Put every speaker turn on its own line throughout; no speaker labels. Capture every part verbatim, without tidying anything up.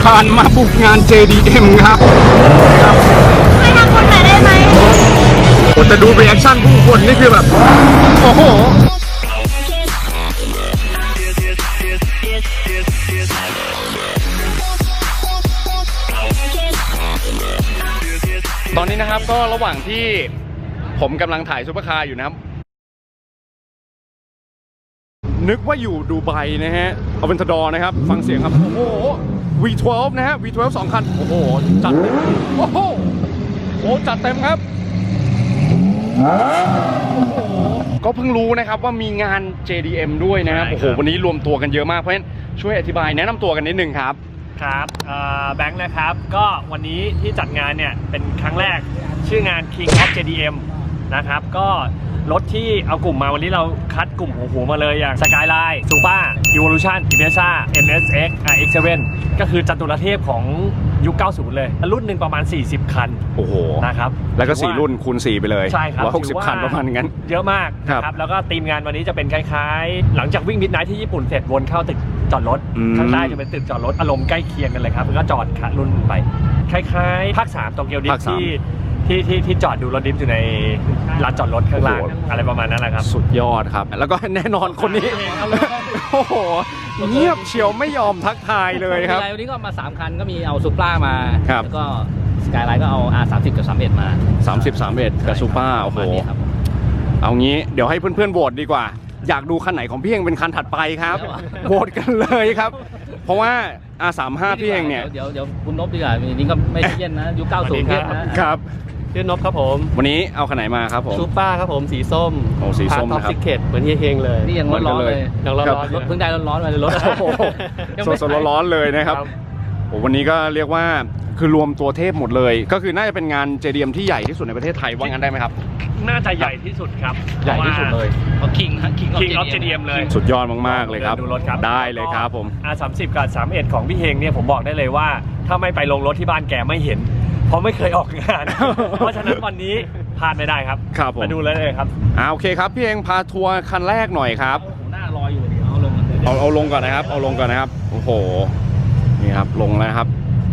คารมาบุกงาน เจ ดี เอ็ม ครับ
ให้ทำคนไหนได้ไหม
โอ้แต่ดูรีแอคชั่นผู้คนนี่คือแบบโอ้โหตอนนี้นะครับก็ระหว่างที่ผมกำลังถ่ายซุปเปอร์คาร์อยู่นะครับนึกว่าอยู่ดูไบนะฮะเอาเป็นทดอนะครับฟังเสียงครับโอ้โห วี ทเวลฟ์ นะฮะ วี ทเวลฟ์ สองคันโอ้โหจัดเต็มโอ้โหโอ้จัดเต็มครับก็เพิ่งรู้นะครับว่ามีงาน เจ ดี เอ็ม ด้วยนะครับโอ้โหวันนี้รวมตัวกันเยอะมากเพราะฉะนั้นช่วยอธิบายแนะนำตัวกันนิดนึงครับ
ครับแบงค์นะครับก็วันนี้ที่จัดงานเนี่ยเป็นครั้งแรกชื่องาน King of เจ ดี เอ็ม นะครับก็รถที่เอากลุ่มมาวันนี้เราคัดกลุ่มหัวหัวมาเลยอย่าง Skyline Supra Evolution Impreza เอ็น เอส เอ็กซ์ อาร์ เอ็กซ์ เซเว่น ก็คือจตุรเทพของยุคเก้าสิบเลยรุ่นหนึ่งประมาณสี่สิบคัน
โอ้โห
นะครับ
แล้วก็สี่รุ่นคูณสี่ไปเลย
ใช่ครับ
หนึ่งร้อยหกสิบคันประมาณงั้น
เยอะมากครับแล้วก็ทีมงานวันนี้จะเป็นคล้ายๆหลังจากวิ่งมิดไนท์ที่ญี่ปุ่นเสร็จวนเข้าตึกจอดรถข้างใต้จะเป็นตึกจอดรถอารมณ์ใกล้เคียงกันเลยครับแล้วก็จอดขารุ่นไปคล้ายๆภาคสามโตเกียวดิฟที่ที่ที่ที่จอดดูรถดิฟอยู่ในร้านจอดรถข้างล่างอะไรประมาณนั้นแหละครับ
สุดยอดครับแล้วก็แน่นอนคนนี้โอ้โหเงียบเชียวไม่ยอมทักทายเลยครับ
วันนี้ก็มาสามคันก็มีเอาซูปรามา
แล้ว
ก็สกายไลน์ก็เอา อาร์ สามสิบ กับสามสิบเอ็ดมา
สามสิบ สามสิบเอ็ดกับซูปราโอ้โหเอางี้เดี๋ยวให้เพื่อนๆโหวตดีกว่าอยากดูคันไหนของพี่เองเป็นคันถัดไปครับโหวตกันเลยครับเพราะว่า อาร์ สามสิบห้า พี่เองเนี่ย
เดี๋ยวเดี๋ยวคุณนพดีกว่านี่ก็ไม่เย็นนะยุคเก้าสิบ
ครับ
ชื่อนพครับผม
วันนี้เอาคันไหนมาครับผม
ซูเปอร์ครับผมสีส้ม
โอ้สีส้ม
นะครับท็อปซิกเก็ตเหมือนเฮียเฮงเลย
นี่ยังร้อนเลย
ยังร้อน
รถเพิ่งได้ร้อนๆมาเลยรถ
สดๆร้อนๆเลยนะครับโอ้วันนี้ก็เรียกว่าคือรวมตัวเทพหมดเลยก็คือน่าจะเป็นงาน เจ ดี เอ็ม ที่ใหญ่ที่สุดในประเทศไทยว่างั้นได้ไหมครับ
น่าจะใหญ่ที่สุดครับ
ใหญ่ที่สุดเลย
เพราะ King
King of เจ ดี เอ็ม เลย
สุดยอดมากๆเลยครับ
ดูรถครับ
ได้เลยครับผม
อาร์ สามสิบ กับสามสิบเอ็ดของพี่เฮงเนี่ยผมบอกได้เลยว่าถ้าไม่ไปลงรถที่บ้านแกไม่เห็นเพราะไม่เคยออกงานเพราะฉะนั้นวันนี้พลาดไม่ได้ครับ
ครับผม
มาดูเลยเลยครับ
อ่าโอเคครับพี่เองพาทัวร์คันแรกหน่อยครับ
หน้ารออยู่เดี๋ยวเอาลง
เอาเอาลงก่อนนะครับเอาลงก่อนนะครับโอ้โหนี่ครับลงแล้วครับ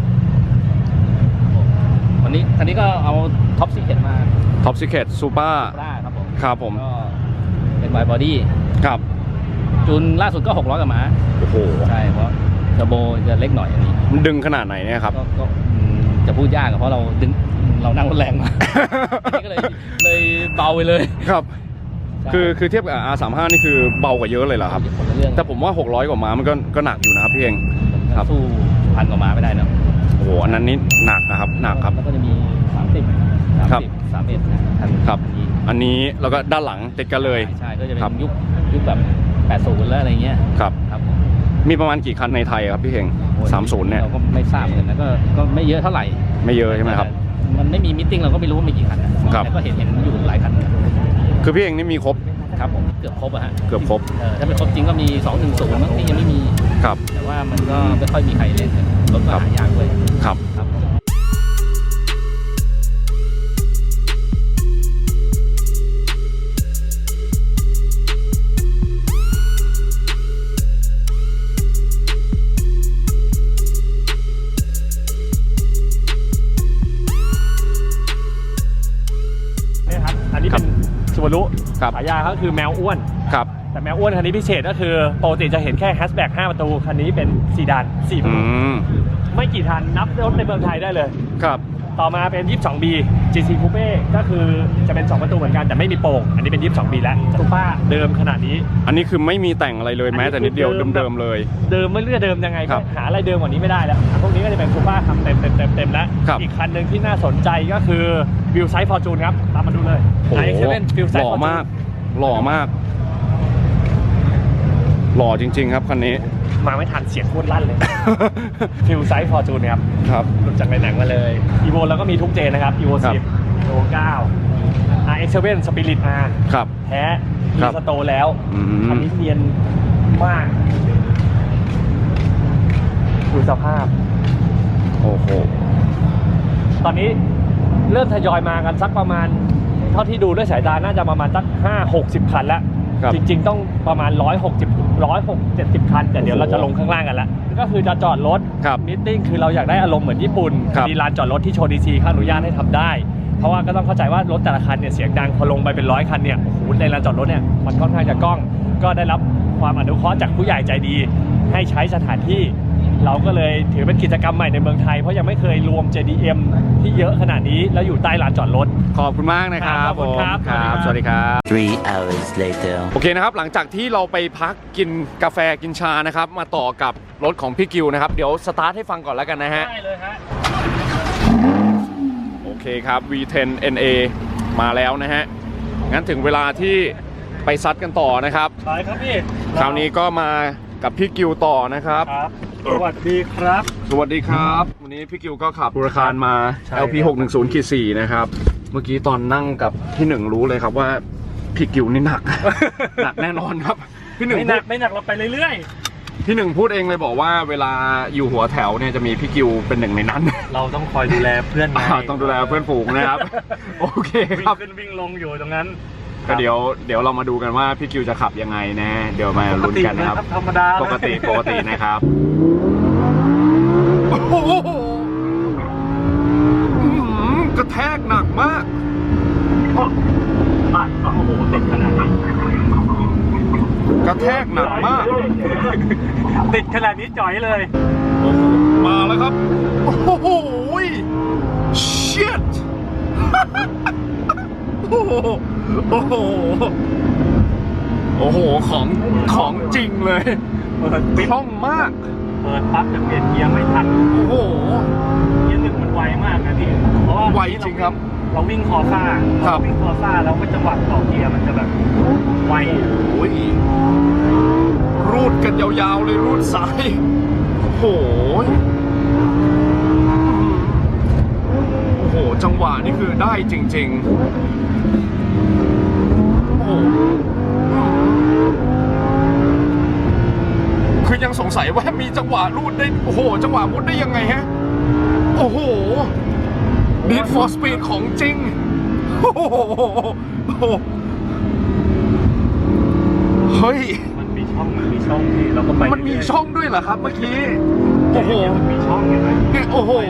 วันนี้คันนี้ก็เอาท็อปซีเคทมา
ท็อปซีเคทซูเปอร์
ครับผม
ครับผม
ก็เป็นไวบอดี้
ครับ
จูนล่าสุดก็หกร้อยกับม้า
โอ้โห
ใช่เพราะเทอร์โบจะเล็กหน่อยอันนี้
มันดึงขนาดไหนเนี่ยครับ
ก็จะพูดยากเพราะเราดึงเรานั่งรถแรงมาก็เลยเลยเบาไปเลย
ครับคือคือเทียบกับ อาร์ สามสิบห้า นี่คือเบากว่าเยอะเลยเหรอครับแต่ผมว่าหกร้อยกว่าม้ามันก็ก็หนักอยู่นะครับพี่เอง
ครับสู้พันกว่าม้าไม่ได้นะ
โอ้โหอันนั้นนี่หนักนะครับหนักครับ
แล้วก็จะมีสามสิบ สามสิบ สามสิบเอ็ด
ครับอันนี้แล้วก็ด้านหลังติดกันเลย
ใช่ก็จะเป็นยุคยุคแบบแปดสิบแล้วอะไรเงี้ย
ครับ
ครับ
มีประมาณกี่คันในไทยครับพี่เฮงสามสิบเนี่ย
เราก็ไม่ทราบเหมือนกันนะก็ก็ไม่เยอะเท่าไหร่
ไม่เยอะใช่ไหมครับ
มันไม่มีมิทติ้งเราก็ไม่รู้ว่ามีกี่คันแต่ก็เห็นเห็นอยู่หลายคัน
คือพี่เฮงนี่มีครบ
ครับผมเกือบครบอะฮะ
เกือบครบ
ถ้าเป็นครบจริงก็มีสองหนึ่งศูนย์มั้งที่ยังไม่มี
ครับ
แต่ว่ามันก็ไม่ค่อยมีใครเล่นรถก็หายากเลย
ครับ
ครับ
สุวรุฉายาเขาคือแมวอ้วน
ครับ
แต่แมวอ้วนคันนี้พิเศษก็คือปกติจะเห็นแค่แฮชแบ็กห้าประตูคันนี้เป็นซีดานสี่ประตูไม่กี่ทันนับรถในเมืองไทยได้เลย
ครับ
ต่อมาเป็น ยี่สิบสองบี จี ซี Coupe ก็คือจะเป็นสองประตูเหมือนกันแต่ไม่มีโป่งอันนี้เป็น ยี่สิบสองบีแล้วซูเปอร์เดิมขนาดนี้
อันนี้คือไม่มีแต่งอะไรเลยแม้แต่นิดเดียวเดิมๆเลย
เดิมไม่เลือกเดิมยังไงหาอะไรเดิมกว่านี้ไม่ได้แล้วพวกนี้ก็จะเป็นซูเปอร์ขับเต็มเต็มเต็มเต็มแล้วอีกคันหนึ่งที่น่าสนใจก็คือวิวไซส์ฟอร์จูนครับตามมาดูเลย
ไอเซเว่นวิวไซส์หล่อมากหล่อมากหล่อจริงๆครับคันนี้
มาไม่ทันเสียงโคตรลั่นเลยฟิลไซส์ฟอร์จูนครับ
ครับ
หลุดจากในหนังมาเลยอีโวแล้วก็มีทุกเจนนะครับอีโวสิบอีโวเก้า อาร์ เอ็กซ์ เซเว่น สปิริต R
ครับ
แท้รีสโตร์แล้วอันนี้เนียนมากดูสภาพ
โอ้โห
ตอนนี้เริ่มทยอยมากันสักประมาณเท่าที่ดูด้วยสายตาน่าจะประมาณสักห้าหกสิบคันแล้วจริงๆต้องประมาณหนึ่งร้อยหกสิบร้อยหกเจ็ดสิบคันแต่เดี๋ยวเราจะลงข้างล่างกันละก็คือจะจอดรถ
ครับ
มิทติ้งคือเราอยากได้อารมณ์เหมือนญี่ปุ่น
ครับ
มีลานจอดรถที่โชว์ดีซีเขาอนุญาตให้ทำได้ เพราะว่าก็ต้องเข้าใจว่ารถแต่ละคันเนี่ยเสียงดังพอลงไปเป็นร้อยคันเนี่ยโอ้โหในลานจอดรถเนี่ยมันค่อนข้างจะกล้อง ก็ได้รับความอนุเคราะห์จากผู้ใหญ่ใจดี ให้ใช้สถานที่ เราก็เลยถือเป็นกิจกรรมใหม่ในเมืองไทยเพราะยังไม่เคยรวม เจ ดี เอ็ม ที่เยอะขนาดนี้แล้วอยู่ใต้ลานจอดรถ
ขอบคุณมากนะครับ
ขอบคุณครับ
ผมครับ สวัสดีครับ
Three hours later.
โอเคนะครับ หลังจากที่เราไปพักกินกาแฟกินชานะครับ มาต่อกับรถของพี่กิวนะครับ เดี๋ยวสตาร์ทให้ฟังก่อนแล้วกันนะฮะ
ได้เลยฮะ
โอเคครับ วี เท็น เอ็น เอ มาแล้วนะฮะ งั้นถึงเวลาที่ไปซัดกันต่อนะครับ
ไปครับพี่
คราวนี้ก็มากับพี่กิวต่อนะครับ
ครับสวัสดีครับ
สวัสดีครับ วันนี้พี่กิวก็ขับบูรคารมา
ใช่
แอล พี หกหนึ่งศูนย์ สี่ นะครับ เมื่อกี้ตอนนั่งกับพี่หนึ่งรู้เลยครับว่าพี่กิวนี่หนัก หนักแน่นอนครับ พี่หนึ่ง
ไม่หนักไม่หนักเราไปเรื่อย
พี่หนึ่งพูดเองเลยบอกว่าเวลาอยู่หัวแถวเนี่ยจะมีพี่กิวเป็นหนึ่งในนั้น
ๆ เราต้องคอยดูแลเพื่อนไง
อ่าต้องดูแลเพื่อนฝูงนะครับ โอเค
วิ่
ครั
ง
บ
ขึ้นวิ่งลงอยู่ตรงนั้น
ก็เดี๋ยวเดี๋ยวเรามาดูกันว่าพี่กิวจะขับยังไงนะ เดี๋ยวมาลุ้นกันนะครับ
ธรรมดา
ปกติปกตินะครับโอ้โหอื้อหือกระแทกหนักมาก
โอ้โหติดขนาดนี้
กระแทกหนักมาก
ติดขนาดนี้จ่อยเลย
โอ้โหมาแล้วครับ โอ้โห shit โอ้โห โอ้โห โอ้โห ของของจริงเลย
เปิดปิด
คล่องมาก
เปิดปั๊บจะเปลี่ยนเกียร์ไม่ทัน
โอ้โห
เกียร์หนึ่งมันไวมากนะพี่เพราะว่า
ไวจริงครับ
เราวิ่งคอซ่า
ครับ
เราวิ่งคอซ่าแล้วก็จังหวะต่อเกียร์มันจะแบบไว
โอ้ยรูดกันยาวๆเลยรูดสาย โอ้โห โอ้โห จังหวะนี่คือได้จริงๆ โอ้โห คือยังสงสัยว่ามีจังหวะรูดได้ โอ้โห จังหวะมุดได้ยังไงฮะ โอ้โห Need for Speed ของจริง โอ้โห เฮ้ย
มันมีช่องมันมีช่องที่เราก็ไป
มันมีช่องด้วยเหรอครับเมื่อกี้ โอ้โห
มันมีช่องเห็นไหม
เนี่ยโอ้โห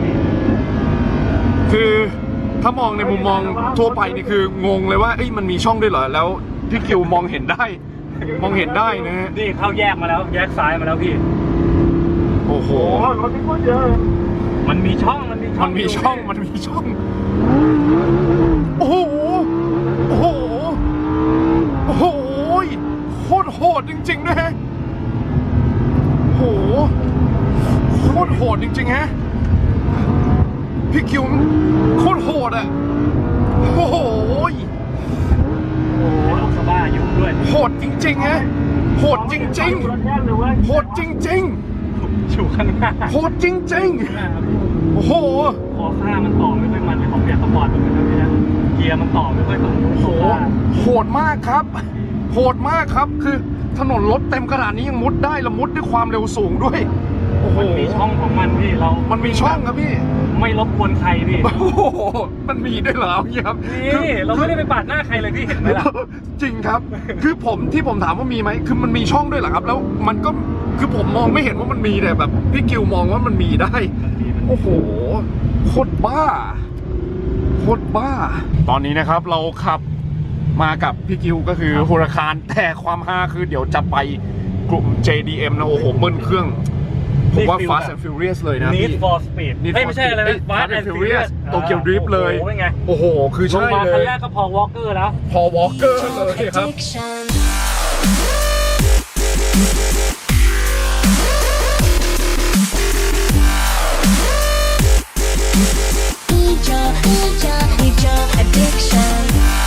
คือถ้ามองในมุมมองทั่วไปนี่คืองงเลยว่าเอ้ยมันมีช่องด้วยเหรอ แล้วพี่กิวมองเห็นได้ มองเห็นได้นะฮะ
นี่เข้าแยกมาแล้วแยกซ้ายมาแล้วพี่
โอ้โห
รถที่พูดเยอะมันมีช่องมันมีช่อง
มันมีช่อง มันมีช่อง โอ้โห โอ้โห โอ้โห โคตรโหดจริงๆนะฮะ โอ้โห โคตรโหดจริงๆฮะ พี่คิวโคตรโหดอ่ะ โอ้โห
โอ้โหลูกสะบ้ายุ่งด้วย
โหดจริงๆฮะ โหดจริงๆ โหดจริง
อยู่ข้างหน้า
ๆ โหดจริงๆ โอ้โห
คอซ่ามันต่อไม่ค่อยมันเลยของเบียร์สปอร์ตมันเป็นแบบนี้นะเกียร์มันต่อไม่ค่อยตรง
โอ้โห
คอซ่า
โหดมากครับ โหดมากครับ คือถนนรถเต็มขนาดนี้ยังมุดได้และมุดด้วยความเร็วสูงด้วย โอ้โห
มันมีช่องของมันพี่เรา
มันมีช่องครับพี่
ไม่รบกวนใครพี่
โอ้โห มันมีด้วยเหรอเนี่ยครับ
นี่เราไม่ได้ไปปาดหน้าใครเลยพี่เห็นไหมล่ะ
จริงครับ คือผมที่ผมถามว่ามีไหม คือมันมีช่องด้วยเหรอครับ แล้วมันก็ คือผมมองไม่เห็นว่ามันมีแต่แบบพี่กิวมองว่ามันมีได้ โอ้โห โคตรบ้า โคตรบ้า ตอนนี้นะครับเราขับมากับพี่กิวก็คือฮูราคารแต่ความฮาคือเดี๋ยวจะไปกลุ่ม เจ ดี เอ็ม นะ โอ้โหเบิ้ลเครื่อง ผมว่า Fast and Furious เลยนะ
Need
พี่
for Speed
Need
เฮ้ย
for
ไม่ใช่อะไร
Speed
นะ Fast and Furious
โตเกียวดริฟต์เลย
โอ้โหเป็นไง
โอ้โห คือ
ล
ใช่
งมา
เล
คัน
ย
แรกก็พอวอล์กเกอร์แล้ว
พอวอลเกอร์เลยครับ
Need your, need your, need your addiction.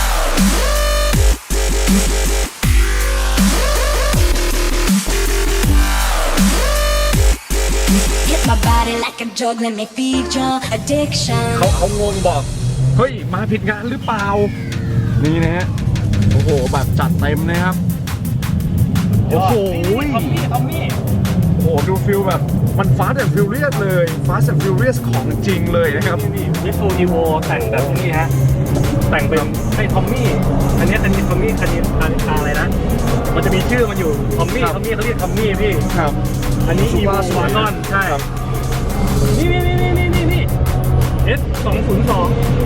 Hit my body like a drug, let me feed your addiction.
เขาเขางงบอก เฮ้ย มาผิดงานหรือเปล่า นี่นะฮะ โอ้โห แบบจัดเต็มนะครับ โอ้โห
ทอมมี่ทอมมี่
โอ้โห ดูฟิลแบบมัน Fast and Furious เลย Fast and Furious ของจริงเลยนะครับ
นี่มิสูนิโวแต่งแบบนี้ฮะ แต่งเป็นไอ้ทอมมี่ อันนี้อันนี้ทอมมี่คันนี้อะไรนะ มันมันจะมีชื่อมันอยู่ทอมมี่ทอมมี่เขาเรียกทอมมี่พี่
ครับ
อันนี้
Super
Evo
สวย
Wagon ใช่
ครับ
นี่นี่นี่นี่นี่นี่ S สองศูนย์สอง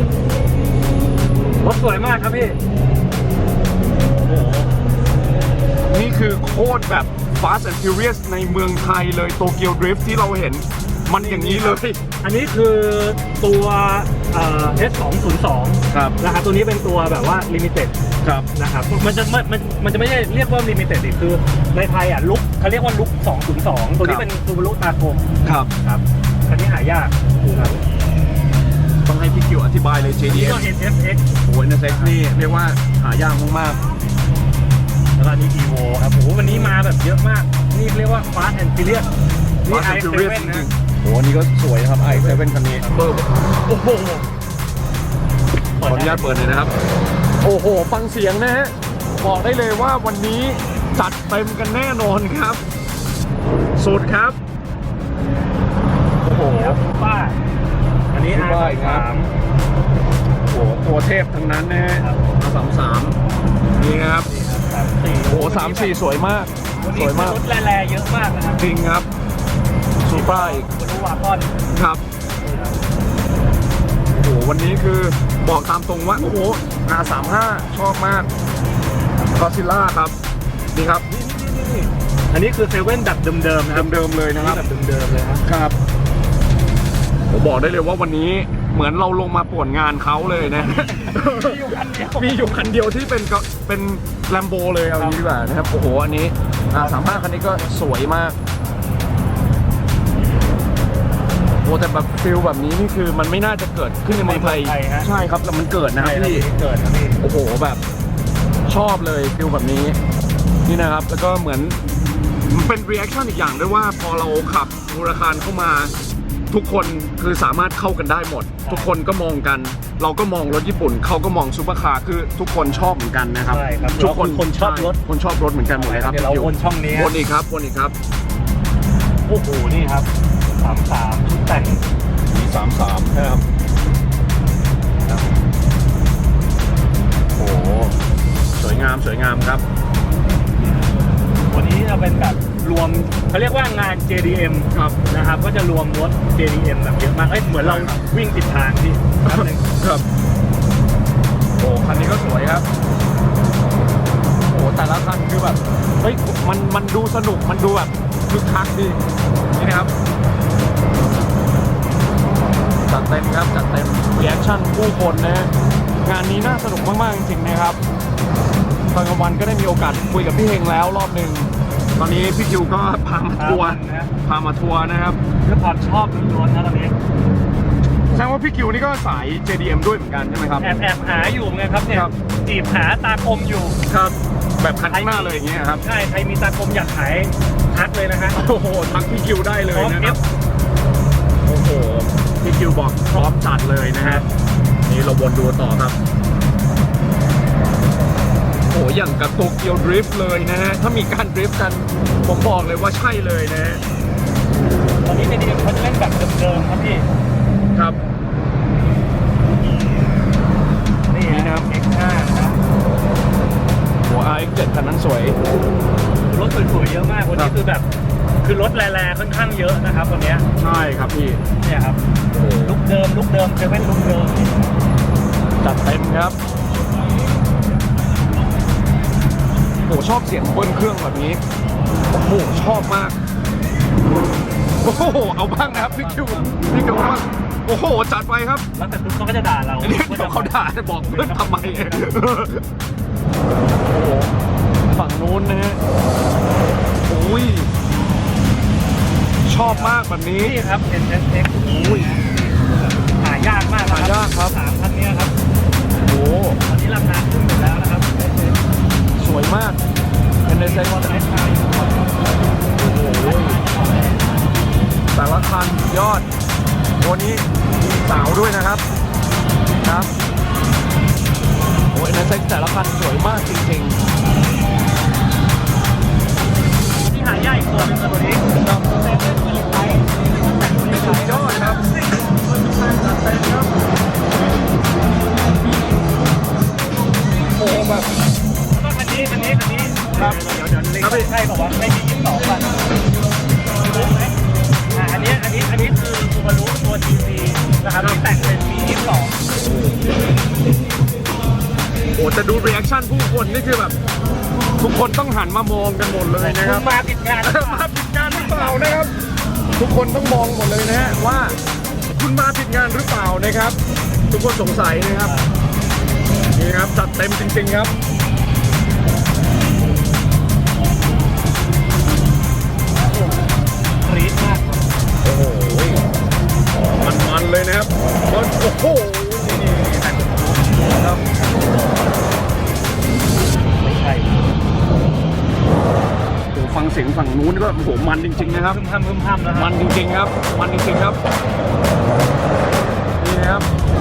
รถสวยมากครับพี่
โอ้โหนี่คือโคตรแบบ Fast and Furious ในเมืองไทยเลยโตเกียวดริฟท์ที่เราเห็นมันอย่างนี้เลย
อันนี้คือตัวเอ่อ S สองศูนย์สอง
ครับ
นะครับตัวนี้เป็นตัวแบบว่า Limited
ครับ
นะครับมันจะมันมันมันจะไม่ได้เรียกว่า Limited ดิคือในไทยอ่ะลุกเขาเรียกว่าลุกสองศูนย์สองตัวนี้เป็นซูบารุตาโกม
ครับ
ครับคันนี้หายากครับ
ต้องให้พี่คิวอธิบายเลย เจ ดี
นี่
เอ็
ก็
ม
เอ็น เอฟ เอ็กซ์
โอ้ยนะเซ็กนี่เรียกว่าหายากมาก
แล้วก็อันนี้ Evo ครับโอ้โหวันนี้มาแบบเยอะมากนี่เรียกว่า Fast and Furious
ๆ
นี่
Fast and
i
Furious
เซเว่น
จริ
นะ
งๆโอ้โหอันนี้ก็สวยครับ ไอ เซเว่น คันนี้เปิดโอ้โหขออนุญาตเปิดเลยนะครับ โอ้โห ฟังเสียงนะฮะ บอกได้เลยว่าวันนี้จัดเต็มกันแน่นอนครับ สุดครับ โอ้โห
ครับป้าอันนี้
Super อีกครับ
สาม
โอ้โห ตัวเทพทั้งนั้นนะฮะ
ครับ
สามสามนี่นะครับ
สามสี่
โอ้โหสามสี่สวยมาก
วัน
ส
นี้
วยมาก
รถแร่ๆเยอะมากนะครับ
จริงครับซูเปอร์อีก
คุณรู้ว่าก้อน
ครับ โอ้โห วันนี้คือบอกตามตรงว่า โอ้โห อาร์ สามสิบห้า ชอบมากกอซิล่าครับ นี่ครับ
อันนี้คือเซเว่นแบบเดิมๆนะครับ
เดิมๆเลยนะครับ
แบบเดิมๆเลยครับ
ครับ ผมบอกได้เลยว่าวันนี้เหมือนเราลงมาป่วนงานเขาเลยนะ
มีอยู่คันเดียว
มีอยู่คันเดียวที่เป็นก็เป็นแลมโบเลยเอาอย่างนี้ดีกว่านะครับ โอ้โห อันนี้อาร์ สามสิบห้า คันนี้ก็สวยมาก โอ้แต่แบบฟิลแบบนี้นี่คือมันไม่น่าจะเกิดขึ้นในเมืองไทย ใช่ครับแต่มันเกิดนะครับพี่
เกิดครับพี่
โอ้โหแบบชอบเลยฟิลแบบนี้นี่นะครับ แล้วก็เหมือนมันเป็นรีแอคชั่นอีกอย่างด้วยว่าพอเราขับมูราคารเข้ามาทุกคนคือสามารถเข้ากันได้หมด ทุกคนก็มองกัน เราก็มองรถญี่ปุ่นเขาก็มองซูเปอร์คาร์คือทุกคนชอบเหมือนกันนะครับ
ใช่ครับ
ทุกคน
คนชอบรถ
ใคนชอบรถเหมือนกันหมดเลยครับ
เดี๋ยวเรา
พี่คิ
วนช่องนี้
วนอีกครับวนอีกครับ
โอ้โหนี่ครับสามสามชุดแต่ง
มีสามสามครับโอ้โหสวยงามสวยงามครับ
วันนี้จะเป็นแบบรวมเขาเรียกว่างาน เจ ดี เอ็ม
ครับ
นะครับก็จะรวมรถ เจ ดี เอ็ม แบบเยอะมากเอ้ยเหมือนเรา
ใช่ครับ
วิ่งติดทางที่แป๊บนึง
ครับโอ้คันนี้ก็สวยครับโอ้แต่ละคันคือแบบเฮ้ยมันมันดูสนุกมันดูแบบคึกคักดีนี่นะครับจัดเต็มครับจัดเต็มรีแอคชั่นผู้คนนะฮะงานนี้น่าสนุกมากๆจริงๆนะครับตอนกลางวันก็ได้มีโอกาสคุยกับพี่เฮงแล้วรอบหนึ่งตอนนี้พี่คิวก็พามาทัวร์
นะ
พามาทัวร์นะครับ
เรื่องความชอบล้วนๆนะตอนนี้
แสดงว่าพี่คิวนี่ก็สาย เจ ดี เอ็ม ด้วยเหมือนกันใช่ไหมครับ
แอบแอบหาอยู่ไงครับเนี่ย
ครับ
จีบหาตาคมอยู่
ครับแบบคันข้างหน้าเลยอย่างเงี้ยครับ
ใช่ใครมีตาคมอยากขายทักเลยนะฮะ
โอ้โหทักพี่คิวได้เลย
พร้อม
นะ
เอ
ครับ
ฟ
โอ้โหพี่คิวบอกพร้อมจัดเลยนะฮะนี่เราวนดูต่อครับโอ้โหอย่างกับโตเกียวดริฟต์เลยนะฮะถ้ามีการดริฟต์กันผมบอกเลยว่าใช่เลยนะฮะ
ตอนนี้ เจ ดี เอ็ม เขาจะเล่นแบบเดิมๆครับพี่
ครับ
นี่
นี่นะครับ
เอ็กซ์ห้านะครับ
หัว อาร์ เอ็กซ์ เจ็ด คันนั้นสวย
รถสวยๆเยอะมากวัน
ครั
นี้
บ
คือแบบคือรถแรงๆค่อนข้างเยอะนะครับวันเนี้ย
ใช่ครับพี่
เนี่ยครับ
โอ้โห
ลุกเดิมลุกเดิมเซเว่นลุกเดิม
จัดเต็มครับโอ้โหชอบเสียงเบิ้ลเครื่องแบบนี้โอ้โหชอบมากโอ้โหเอาบ้างนะครับพี่คิวพี่คิวว่าโอ้โหจัดไปครับ
แล้วแต่ปุ๊บเขาก็จะด่าเรา
อันนี้เดี๋ยวเขาด่าจะบอกเพื่อนทำไมโอ้โหฝั่งนู้นนะฮะโอ้ยชอบมากแบบนี้
นี่ครับ เอ็น เอส เอ็กซ์
โอ้ย
หายากมากนะ
หายากครับ
สามคันเนี้ยครับ
โอ้โห
ตอนนี้ราคาขึ้นหมดแล้วนะครับ
สวยมากเป็นในเซ็น
วัน
ต์
ไอ้ชาย
โอ้โหแต่ละคันยอดตัวนี้มีสาวด้วยนะครับครับโอ้ยในเซ็นต์แต่ละคันสวยมากจริงๆ
ที่หายากอีกตัวหนึงคือตัวนี้
ครับ
เซเว่นมิลลิไทป์แต่งมิลลิไท
สุด
ป์
ยอดครับจัดเต็มครับโอ้โหแบบ
แล้วก็คันนี้คันนี้คันนี้
ครับ
เดี๋ยวเดี๋ยวเดี๋ยวใช่บอกว่าไม่มียี่สิบสองป่ะรู้ไหมอ่าอันนี้อันนี้อันนี้คือซูบารุตัว จี ซี นะครับที่แต่งเป็นปียี่สิบสอง
โอ้แต่ดูรีแอคชั่นผู้คนนี่คือแบบทุกคนต้องหันมามองกันหมดเลยนะครับ
มาผิดงาน
มาผิดงานหรือเปล่านะครับ ทุกคนต้องมองหมดเลยนะฮะว่าคุณมาผิดงานหรือเปล่านะครับ ทุกคนสงสัยนะครับนี่ครับจัดเต็มจริงๆครับ
กรี๊ดมาก
โอ้โหมันๆเลยนะครับมันโอ้โหนี่นี่แต่งครับ
ไม่ใช่
โอ้ฟังเสียงฝั่งนู้นก็โอ้โหมันจริงๆนะครับ
พึ่มพำพึ่มพำนะค
มั
รับ
นจริงๆครับ มันจริงๆครับ นี่นะครับ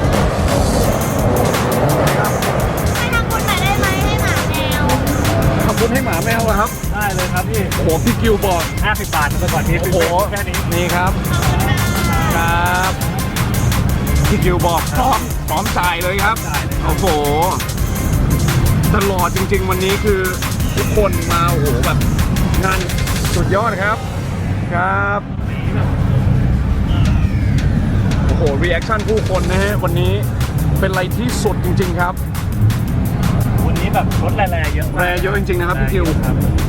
นี่ครับ
ให้ทำบุญหน่อยได้ไหมให้หมาแมว
ทำบุญให้หมาแมวเหรอครับ
ได้เลยครับพี่
โอ้โหพี่กิวบอก
ห้าสิบบาทไปก่อนนี้
โอ้โห
แค่นี้
นี่ครับ ครับพี่กิวบอกพร้อมพร้อมจ่ายเลยครับ
จ่ายเลยครับ
โอ้โหตลอดจริง ๆ วันนี้คือทุกคนมาโอ้โหแบบงานสุดยอดครับ ครับโอ้โหรีแอคชั่นผู้คนนะฮะวันนี้เป็นอะไรที่สุดจริง ๆ ครับ
วันนี้แบบรถแรงๆเยอะมาก
แรงเยอะจริงๆนะครับพี่คิว
ครับ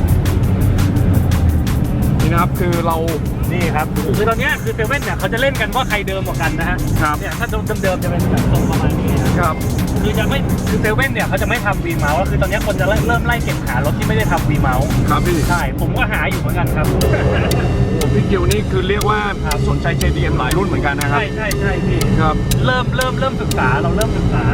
นี่นะครับคือเรา
นี่ครับคือตอนเนี้ยคือเซเว่นเนี่ยเขาจะเล่นกันว่าใครเดิมกว่ากันนะฮะ
ครับ
เนี่ยถ้าเดิมๆจะเป็นแบบทรงประมาณนี้นะครับ คือจะไม่คือเซเว่นเนี่ยเขาจะไม่ทำวีเมาส์คือตอนเนี้ยคนจะเริ่มไล่เก็บหารถที่ไม่ได้ทำวีเมาส์
ครับพี่
ใช่ผมก็หาอยู่เหมือนกันครับ
โอ้พี่กิวนี่คือเรียกว่าสนใจ เจ ดี เอ็ม หลายรุ่นเหมือนกันนะครับ
ใช่ใช่ใช่พี่
ครับ
เริ่มเริ่มเริ่มศึกษาเราเริ่มศึกษา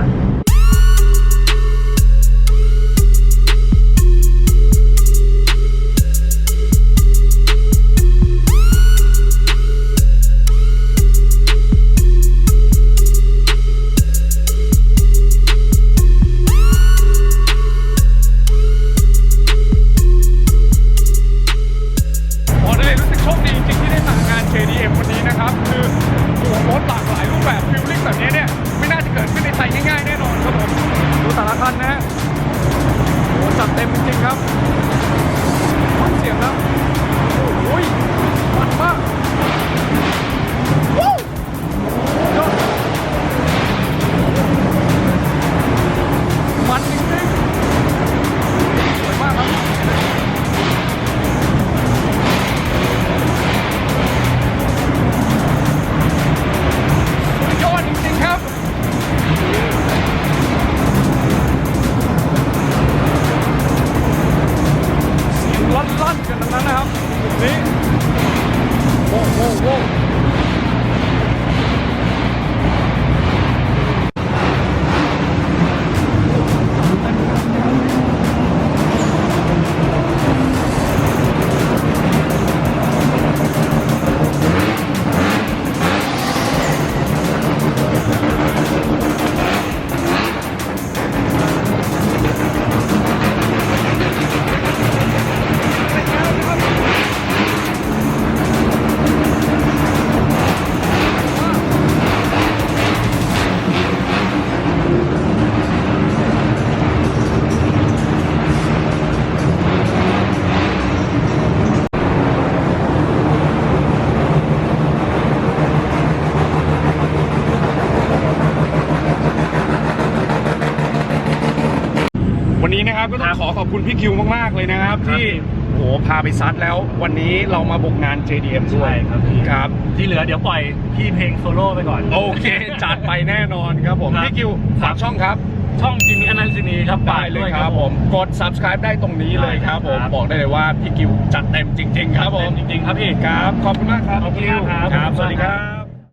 โอ้ได้รู้สึกโชคดีจริงๆที่ได้มางาน เจ ดี เอ็ม วันนี้นะครับ คือโอ้โหรถหลากหลายรูปแบบฟิลลิ่งแบบนี้เนี่ยไม่น่าจะเกิดขึ้นในไทยง่ายๆแน่นอนครับผมดูแต่ละคันนะฮะโอ้จัดเต็มจริงๆครับฟังเสียงแล้วโอ้ยมันมากวู้ยอดมันจริงๆสวยมากครับ ยอดจริงๆครับเสียงลั่นๆกันทั้งนั้นนะครับนี่โว้โว้โว้วันนี้นะครับก็ต้องขอขอบคุณพี่คิวมากๆเลยนะครับ ที่โอ้โหพาไปซัดแล้ววันนี้เรามาบุกงาน เจ ดี เอ็ม ด้วย
ใช่ครับพี่
ครับ
ที่เหลือเดี๋ยวปล่อยพี่เพลงโซโล่ไปก่อน
โอเค จัดไปแน่นอนครับผม
ครับ
พี่คิวฝากช่องครับ
ช่องจิมมี่อนันต์ซินีครับ
ได้เลยครับผมกด ซับสไครบ์ ได้ตรงนี้เลยครับผม
ได้ครับ
บอกได้เลยว่าพี่คิวจัดเต็มจริง ๆ ครับผม
จริงๆครับพี่
ครับขอบคุณมากครับ
ขอบคุณมากครับ
ครับ สวัสดีครับ